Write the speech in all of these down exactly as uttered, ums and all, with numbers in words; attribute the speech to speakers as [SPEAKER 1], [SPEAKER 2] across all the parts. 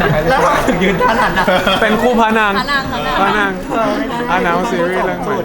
[SPEAKER 1] แล้วถึงยืนท่านั้นนะ
[SPEAKER 2] เป็นคู่พระนาง
[SPEAKER 3] พระนาง
[SPEAKER 2] พระนางอานาซีรีส์เรื่องใหม่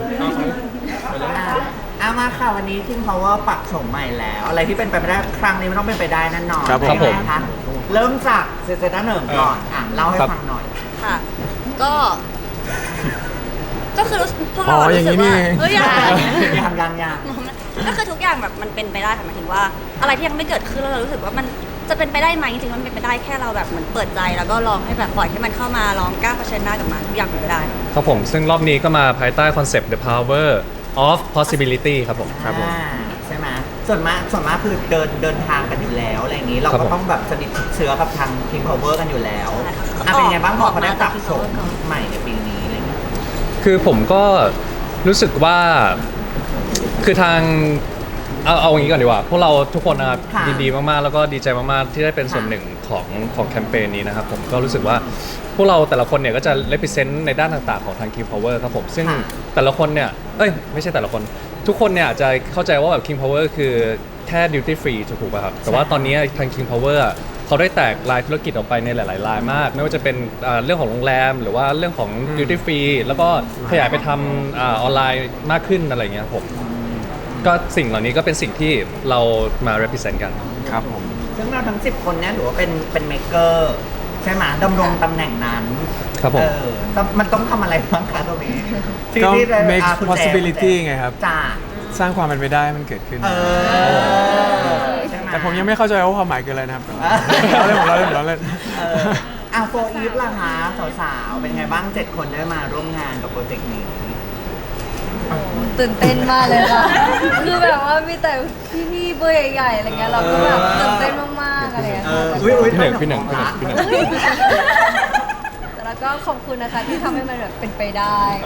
[SPEAKER 1] อามาค่ะวันนี้ King Power ปักโฉมใหม่แล้ว อะไรที่เป็นไปไม่ได้ครั้งนี้มันต้องเป็นไปได้แน่นอน
[SPEAKER 2] ครับผม
[SPEAKER 1] นะคะเริ่มจากเซเซต้าหนึ่งก่อนอ่ะเล่าให้ฟังหน่อย
[SPEAKER 3] ค่ะก็ ก็คือพวก
[SPEAKER 2] อ๋
[SPEAKER 3] เรา
[SPEAKER 2] ออย่าง
[SPEAKER 3] รู้สึ
[SPEAKER 2] นี้
[SPEAKER 3] ก
[SPEAKER 2] นี่
[SPEAKER 3] ว่า
[SPEAKER 2] เอง
[SPEAKER 3] เฮ้ยอะไร
[SPEAKER 1] ยางยางยาง
[SPEAKER 3] ก็คือทุกอย่างแบบมันเป็นไปได้ค่ะหมายถึงว่า อะไรที่ยังไม่เกิดขึ้นแล้วเรารู้สึกว่ามันจะเป็นไปได้ไหมจริงๆมันเป็นไปได้แค่เราแบบเหมือนเปิดใจแล้วก็ลองให้แบบปล่อยให้มันเข้ามาลองกล้าเผชิญหน้ากับมันทุกอย่างเป็นไปได้
[SPEAKER 4] ครับผมซึ่งรอบนี้ก็มาภายใต้คอนเซปต์ the power of possibility ครับผมครับผม
[SPEAKER 1] อ่าใช่ไหมส่วนมากส่วนมากคือเดินเดินทางกันอยู่แล้วอะไรอย่างนี้เรา
[SPEAKER 4] ครั
[SPEAKER 1] ก็
[SPEAKER 4] บผม
[SPEAKER 1] ต้องแบบสนิทชิดเชื้อกับทาง King Power กันอยู่แล้ว
[SPEAKER 3] ใช่ค่ะ
[SPEAKER 1] อ่ะเป็นไงบ้างพอ
[SPEAKER 3] ออก
[SPEAKER 1] เขาได้ปรับ
[SPEAKER 3] มาจาก
[SPEAKER 1] โฉม
[SPEAKER 3] King Power ก่อน
[SPEAKER 1] ใหม่ในปีนี้อะไรอย่างเงี้ย
[SPEAKER 4] คือผมก็รู้สึกว่าคือทางเอาเอาอย่างนี้ก่อนดีกว่าพวกเราทุกคนนะครับ
[SPEAKER 1] ค่ะ
[SPEAKER 4] ยินดีมากๆแล้วก็ดีใจมากๆที่ได้เป็นส่วนหนึ่งของของแคมเปญนี้นะครับผมก็รู้สึกว่าพวกเราแต่ละคนเนี่ยก็จะ represent ในด้านต่างๆของทาง King Power ครับผมซึ่ง
[SPEAKER 1] ค่ะ
[SPEAKER 4] แต่ละคนเนี่ยเอ้ยไม่ใช่แต่ละคน ทุกคนเนี่ยอาจจะเข้าใจว่าแบบ King Power คือแค่ duty free ถูกป่ะครับแต่ว่าตอนนี้ทาง King Power อะเขาได้แตกรายธุรกิจออกไปในหลายๆรายมาก ไม่ว่าจะเป็นอ่าเรื่องของโรงแรม หรือว่าเรื่องของ duty free แล้วก็ขยายไปทำอาออนไลน์มากขึ้นอะไรอย่างเงี้ยครับผมก็สิ่งเหล่านี้ก็เป็นสิ่งที่เรามา represent กัน
[SPEAKER 2] ครับผม
[SPEAKER 1] ซึ่งเราทั้งสิบคนเนี่ยถือว่าเป็นเป็นเมเกอร์ใช่ไหมดำรงตำแหน่งนั้น
[SPEAKER 4] ครับผม
[SPEAKER 1] เออต้องมันต้องทำอะไรบ้างคะตรงนี้ที่
[SPEAKER 2] ก็
[SPEAKER 1] ที่ได้
[SPEAKER 2] make
[SPEAKER 1] อ่ะคุณแจ
[SPEAKER 2] possibility ไงครับ
[SPEAKER 1] จ้า
[SPEAKER 2] สร้างความเป็นไปได้ให้มันเกิดขึ้น
[SPEAKER 1] เออใช่ไห
[SPEAKER 2] แต่ผมยังไม่เข้าใจว่าความหมายคืออะไรนะครับเราเล่นผมเราเล่นผมเราเล่น
[SPEAKER 1] เอออ่ะโฟอีฟล่ะคะสาวๆ เป็นไงบ้างเจ็ดคนได้มาร่วมงานกับโปรเจกต์นี้
[SPEAKER 5] ตื่นเต้นมากเลยค่ะ คือแบบว่ามีแต่พี่ๆเบอร์ใหญ่ๆอะไรเงี้ยเราก็แบบตื่นเต้นมากๆอะไรเงี้ย
[SPEAKER 1] เอ
[SPEAKER 5] ค่ะ
[SPEAKER 1] ออุ้ยอุ้ย
[SPEAKER 4] พี่หนึ่งพี่หนึ่งพี่หนึ่งพี่หนึ่ง
[SPEAKER 5] แต่แล้วก็ขอบคุณนะคะที่ทำให้มันแบบเป็นไปได้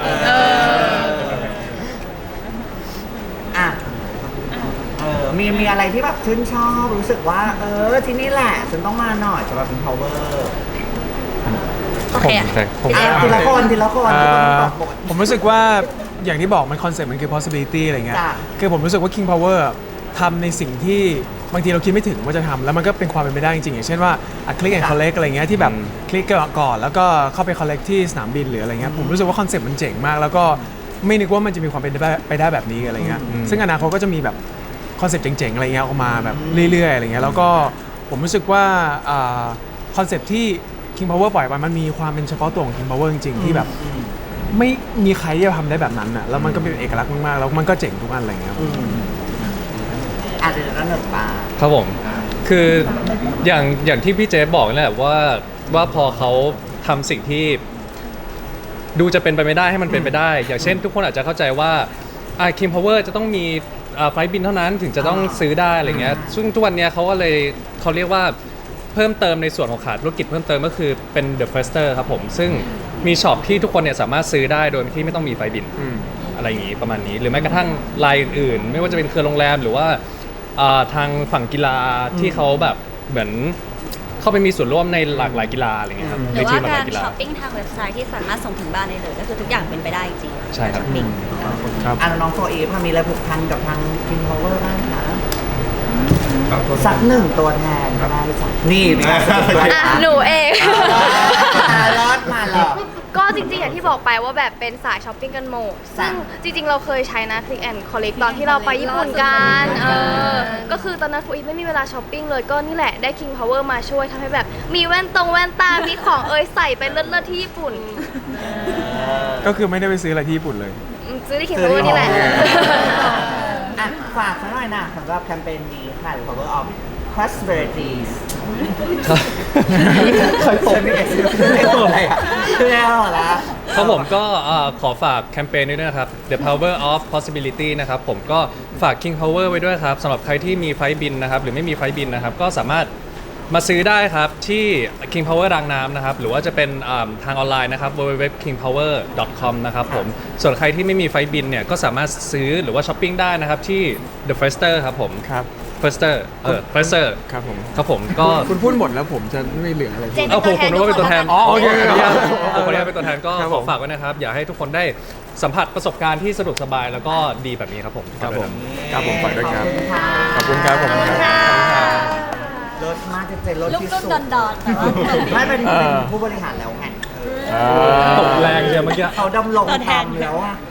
[SPEAKER 1] อ่ะเออมีมีอะไรที่แบบชื่นชอบรู้สึกว่า เออที่นี่แหละฉันต้องมาหน่อยสำหรับเป็น power
[SPEAKER 3] โอเค
[SPEAKER 4] ใช่ผม
[SPEAKER 1] อ่ะทีละคนทีละคน
[SPEAKER 2] เอ่
[SPEAKER 1] ทุกคน
[SPEAKER 2] อ
[SPEAKER 1] ตอบบท
[SPEAKER 2] ผมรู้สึกว่าอย่างที่บอกมันคอนเซ็ปต์มันคือ possibility อะไรเงี้ย
[SPEAKER 1] จ้ะ
[SPEAKER 2] คือผมรู้สึกว่า King Power ทำในสิ่งที่บางทีเราคิดไม่ถึงว่าจะทำแล้วมันก็เป็นความเป็นไปได้จริงๆอย่างเช่นว่าอ่ะ click and collect อะไรเงี้ยที่แบบคลิกก่อนแล้วก็เข้าไป collect ที่สนามบินหรืออะไรเงี้ยผมรู้สึกว่าคอนเซ็ปต์มันเจ๋งมาก แล้วก็ไม่นึกว่ามันจะมีความเป็นไปได้แบบนี้อะไรเงี้ยซึ่งอนาคตก็จะมีแบบคอนเซ็ปต์เจ๋งๆอะไรเงี้ยออกมาแบบเรื่อยๆอะไรเงี้ยแล้วก็ผมรู้สึกว่าคอนเซ็ปต์ที่ King Power ปล่อยไปมันมีความเป็นเฉพาะตัวของ King Power จริงๆที่แบบไม่มีใครที่จะทำได้แบบนั้นอ่ะแล้วมันก็เป็นเอกลักษณ์มากๆแล้วมันก็เจ๋งทุกอันอะไรเงี้ย
[SPEAKER 1] อืมอ่ะเดี๋ยวเราหนึ่งปา
[SPEAKER 4] ครับผม คืออย่างอย่างที่พี่เจฟบอกนี่แหละว่าว่าพอเขาทำสิ่งที่ดูจะเป็นไปไม่ได้ให้มันเป็นไปได้ อย่างเช่น ทุกคนอาจจะเข้าใจว่าอ่า King Power จะต้องมีอ่าไฟล์บินเท่านั้นถึงจะต้องซื้อได้อะไรเงี้ยซึ่งทุกวันเนี้ยเขาก็เลยเขาเรียกว่าเพิ่มเติมในส่วนของขาธุรกิจเพิ่มเติมก็คือเป็น The Firster ครับผมซึ่งมีช็อปที่ทุกคนเนี่ยสามารถซื้อได้โดยที่ไม่ต้องมีไฟล์บิน
[SPEAKER 2] อืม
[SPEAKER 4] อะไรอย่างนี้ประมาณนี้ หรือแม้กระทั่งรายอื่นๆ ไม่ว่าจะเป็นเครือโรงแรมหรือว่าอ่าทางฝั่งกีฬาที่เขาแบบเหมือนเข้าไปมีส่วนร่วมในหลากหลายกีฬาอะไรเงี้ยครับ
[SPEAKER 3] ห
[SPEAKER 4] ใน
[SPEAKER 3] รือ
[SPEAKER 4] ที
[SPEAKER 3] ว่าม
[SPEAKER 4] หลากห
[SPEAKER 3] กา
[SPEAKER 4] ลาร ยกีฬา
[SPEAKER 3] ช้อปปิ้งทางเว็บไซต์ที่สามารถส่งถึงบ้านได้เลยก็คือทุกอย่างเป็นไปได้จริงๆ
[SPEAKER 4] ใช่ครับ
[SPEAKER 3] ช้อปปิ้ง
[SPEAKER 2] ครับ
[SPEAKER 1] อ่ะแล้วน้องโฟอีฟมีอะไรผูกพันกับทาง King Power บ้างคะสักหนึ่งตัวแทนก็ได้สักนี่มีการสะกิดด้วย
[SPEAKER 5] อ่ะ
[SPEAKER 1] นะ
[SPEAKER 5] หนูเอง
[SPEAKER 1] อ่ารอดมาหรอก
[SPEAKER 5] ก็จริงๆ อย่างที่บอกไปว่าแบบเป็นสายช้อปปิ้งกันหมด ซึ่งจริงๆ เราเคยใช้นะ Click and Collect ตอนที่เราไปญี่ปุ่นกันเออก็คือตอนนั้นฟูอีไม่มีเวลาช้อปปิ้งเลยก็นี่แหละได้ King Power มาช่วยทำให้แบบมีแว่นตรงแว่นตา มีของเอยใส่ไปเลิศๆที่ญี่ปุ่น
[SPEAKER 2] ก็คือไม่ได้ไปซื้ออะไรที่ญี่ปุ่นเลย
[SPEAKER 5] อืมซื้อที่ King Power นี่แหละ
[SPEAKER 1] อ่ะฝากสักหน่อยนะสำหรับแคมเปญนี้ค่ะ Power of Possibilities เคยผมอะไรอ่ะคือแล้วเหรอ
[SPEAKER 4] ครับผมก็เอ่อขอฝากแคมเปญนี้ด้วยนะครับ The Power of Possibility นะครับผมก็ฝาก King Power ไว้ด้วยครับสำหรับใครที่มีไฟล์บินนะครับหรือไม่มีไฟล์บินนะครับก็สามารถมาซื้อได้ครับที่ King Power รางน้ำนะครับหรือว่าจะเป็นอ่าทางออนไลน์นะครับ ดับเบิลยู ดับเบิลยู ดับเบิลยู ดอท คิง พาวเวอร์ ดอท คอม นะครับผมส่วนใครที่ไม่มีไฟล์บินเนี่ยก็สามารถซื้อหรือว่าช้อปปิ้งได้นะครับที่ The Firster ครับผม
[SPEAKER 2] ครับ
[SPEAKER 4] Firster เออ Firster
[SPEAKER 2] ครับผม
[SPEAKER 4] ครับผมก็
[SPEAKER 2] คุณพูดหมดแล้วผมจะไม่เหลืออะไร
[SPEAKER 3] เจน
[SPEAKER 4] เอาผมผมนึกว่าเป็นตัวแทน
[SPEAKER 2] อ๋อโอเค
[SPEAKER 4] ขออนุญาต
[SPEAKER 2] โอเค
[SPEAKER 4] ขออนุญาตเป็นตัวแทนก็
[SPEAKER 2] ครับ
[SPEAKER 4] ข
[SPEAKER 2] ผ
[SPEAKER 4] อ
[SPEAKER 2] ม
[SPEAKER 4] ฝากไว้นะครับ อยากให้ทุกคนได้สัมผัสประสบการณ์ที่สะดวกสบายแล้วก็ดีแบบนี้ครับผม
[SPEAKER 2] ครับผมครับผมฝากด้วยครับ
[SPEAKER 1] ขอบคุณค่ะ
[SPEAKER 2] ขอบคุณครับผมครับ
[SPEAKER 1] เลิศศมากเจเจรส
[SPEAKER 3] ลูก
[SPEAKER 1] ที่
[SPEAKER 3] รุ่น
[SPEAKER 1] สุด
[SPEAKER 3] ดอนดอนแต่ว่าจบดี
[SPEAKER 1] ไม่เป็น
[SPEAKER 2] เออ
[SPEAKER 1] เป็นผู้บริหารแล้วไง
[SPEAKER 2] อ่า
[SPEAKER 4] ตกแรงเชียวเมื่อกี้
[SPEAKER 1] เขาดำรง
[SPEAKER 3] ตัวแทน
[SPEAKER 1] ทำแล้วอะ